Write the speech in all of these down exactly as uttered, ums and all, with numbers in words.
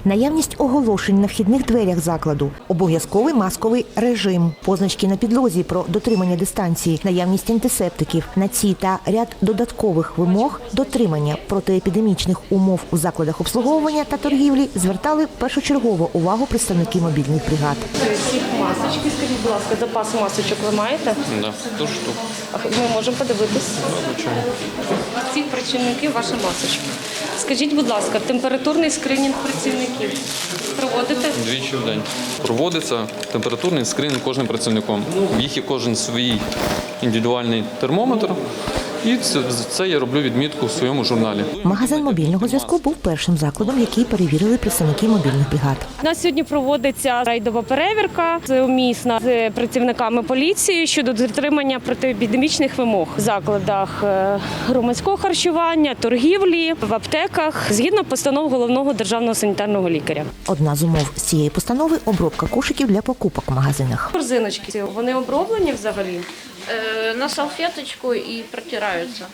наявність оголошень на вхідних дверях закладу, обов'язковий масковий режим, позначки на підлозі про дотримання дистанції, наявність антисептиків. На ці та ряд додаткових вимог дотримання протиепідемічних умов у закладах обслуговування та торгівлі звертали першочергово увагу представники мобільних бригад. Ці масочки, скажіть, будь ласка, запас масочок ви маєте? Да, ту штуку. Ми можемо подивитись. Звичайно. Ці працівники ваші масочки. Скажіть, будь ласка, температурний скринінг працівників проводите? Двічі в день. Проводиться температурний скринінг кожним працівником. В їх є кожен свій індивідуальний термометр. І це, це я роблю відмітку в своєму журналі. Магазин мобільного зв'язку був першим закладом, який перевірили представники мобільних бригад. У нас сьогодні проводиться рейдова перевірка сумісна з працівниками поліції щодо дотримання протиепідемічних вимог в закладах громадського харчування, торгівлі, в аптеках, згідно постанов головного державного санітарного лікаря. Одна з умов з цієї постанови – обробка кошиків для покупок в магазинах. Корзиночки, вони оброблені взагалі? На салфеточку і протираються.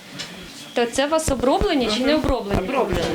То це у вас оброблені чи не оброблені? Оброблені.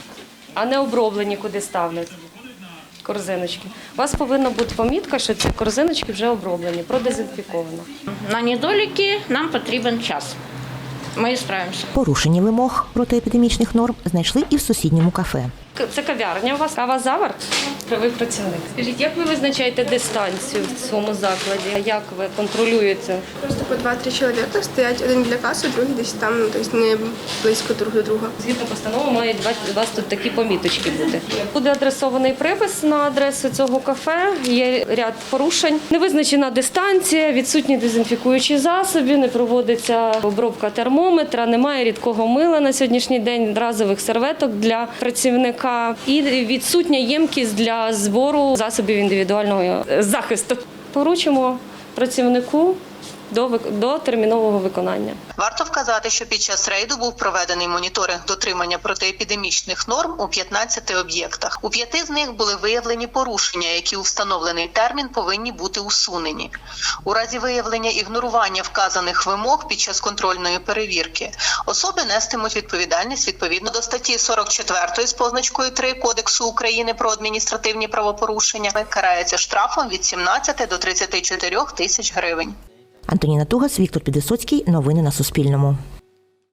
А не оброблені куди ставлять? Корзиночки. У вас повинна бути помітка, що ці корзиночки вже оброблені, продезінфіковано. На недоліки нам потрібен час. Ми справимося. Порушення вимог протиепідемічних норм знайшли і в сусідньому кафе. Це кав'ярня у вас? Кава «Завар»? Ви працівник. Скажіть, як ви визначаєте дистанцію в цьому закладі? Як ви контролюєте? Просто по два-три чоловіка стоять, один біля каси, другий десь там, ну, тобто не близько друг до друга. Згідно постанови мають у вас тут такі поміточки бути. Буде адресований припис на адресу цього кафе, є ряд порушень. Не визначена дистанція, відсутні дезінфікуючі засоби, не проводиться обробка термометра, немає рідкого мила на сьогоднішній день, разових серветок для працівника і відсутня ємкість для збору засобів індивідуального захисту. Поручимо працівнику до, до термінового виконання. Варто вказати, що під час рейду був проведений моніторинг дотримання протиепідемічних норм у п'ятнадцяти об'єктах. У п'яти з них були виявлені порушення, які у встановлений термін повинні бути усунені. У разі виявлення ігнорування вказаних вимог під час контрольної перевірки особи нестимуть відповідальність відповідно до статті сорок четвертої з позначкою три Кодексу України про адміністративні правопорушення. Карається штрафом від сімнадцяти до тридцяти чотирьох тисяч гривень. Антоніна Тугас, Віктор Підвисоцький. Новини на Суспільному.